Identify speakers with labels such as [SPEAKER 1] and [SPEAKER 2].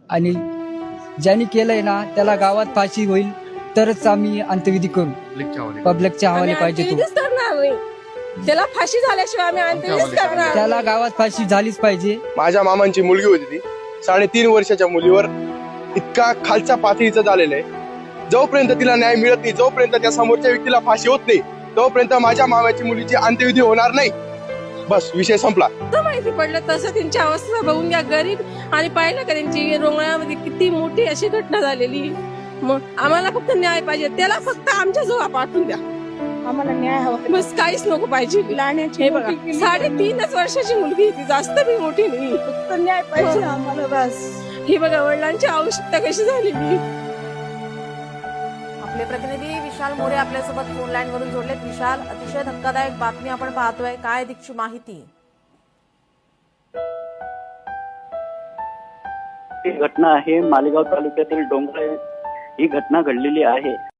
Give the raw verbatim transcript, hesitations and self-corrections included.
[SPEAKER 1] आणि ज्यांनी केलंय ना त्याला गावात फाशी होईल तरच आम्ही अंत्यविधी करू. पब्लिकच्या हवाले पाहिजे तो.
[SPEAKER 2] अंत्यविधीच करणार नाही. त्याला फाशी झाल्याशिवाय आम्ही अंत्यविधीच करणार.
[SPEAKER 1] त्याला गावात फाशी झालीच पाहिजे.
[SPEAKER 3] माझ्या मामांची मुलगी होती ती साडेतीन वर्षाच्या मुलीवर इतका खालच्या पातळीचं झालेलं आहे. जोपर्यंत तिला न्याय मिळत नाही, जोपर्यंत त्या समोरच्या व्यक्तीला फाशी होत नाही, तोपर्यंत माझ्या मामाची मुलीची अंत्यविधी होणार नाही. बस विषय संपला.
[SPEAKER 2] माहिती पडलं तसं त्यांची अवस्था बघून घ्या. गरीब आणि पाहिलं का त्यांची रोंगळ्यामध्ये किती मोठी अशी घटना झालेली. मग आम्हाला फक्त न्याय पाहिजे. त्याला फक्त आमच्या जवळ पाठवून द्या.
[SPEAKER 4] आम्हाला न्याय हवा.
[SPEAKER 2] बस काहीच नको पाहिजे. हे बघा साडेतीनच वर्षाची मुलगी ती, जास्त बी मोठी नाही.
[SPEAKER 4] फक्त न्याय पाहिजे आम्हाला बस.
[SPEAKER 2] ही बघा वडिलांची आवश्यकता कशी झालेली.
[SPEAKER 5] आपले प्रतिनिधी विशाल मोरे आपल्यासोबत फोन लाईन वरून जोडलेत. विशाल, अतिशय धक्कादायक बातमी आपण पाहतोय, काय अधिकची माहिती?
[SPEAKER 6] ही घटना आहे मालेगाव तालुक्यातील डोंगरे. ही घटना घडलेली आहे.